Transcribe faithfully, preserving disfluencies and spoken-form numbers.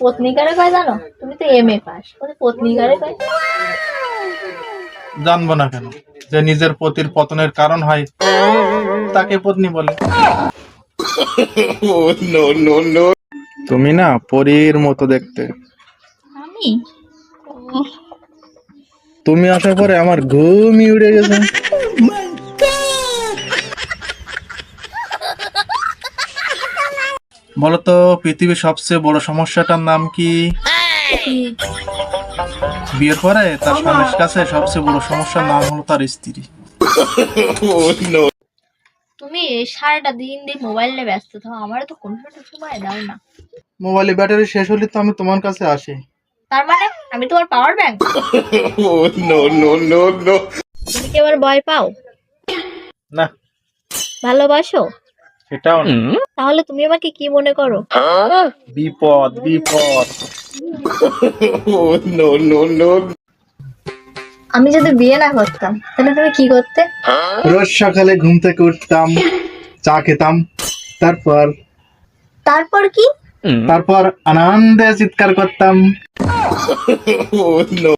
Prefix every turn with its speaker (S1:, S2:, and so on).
S1: পত্নী কারে কয় জানো? তুমি তো এম এ পাস, ওদের পত্নী কারে কয়?
S2: জানবো না কেন? যে নিজের পতির পতনের কারণ হয় তাকে পত্নী বলে। তুমি না পরীর মতো দেখতে।
S1: আমি? উহ,
S2: তুমি আসার পরে আমার ঘুমই উড়ে গেছে। বলতো পৃথিবীর সবচেয়ে বড় সমস্যাটার নাম কি?
S1: কি?
S2: বিয়ের পরে তার স্বামীর কাছে সবচেয়ে বড় সমস্যার নাম হলো তার স্ত্রী।
S1: তুমি সারাটা দিন দিয়ে মোবাইল নিয়ে ব্যস্ত থাকো, আমারও তো কোনো সময় দাও না।
S2: মোবাইলে ব্যাটারি শেষ হলে তো আমি তোমার কাছে আসি।
S1: তার মানে আমি তোমার পাওয়ার ব্যাংক? তুমি কি আবার ভয় পাও?
S2: না,
S1: ভালোবাসো?
S2: সেটাও না।
S1: তাহলে তুমি আমাকে কি মনে করো?
S2: বিপদ বিপদ।
S1: আমি যদি বিয়ে না করতাম তাহলে তুমি কি করতে?
S2: রোজ সকালে ঘুম থেকে উঠতাম, চা খেতাম, তারপর
S1: তারপর কি?
S2: তারপর আনন্দে চিৎকার করতাম।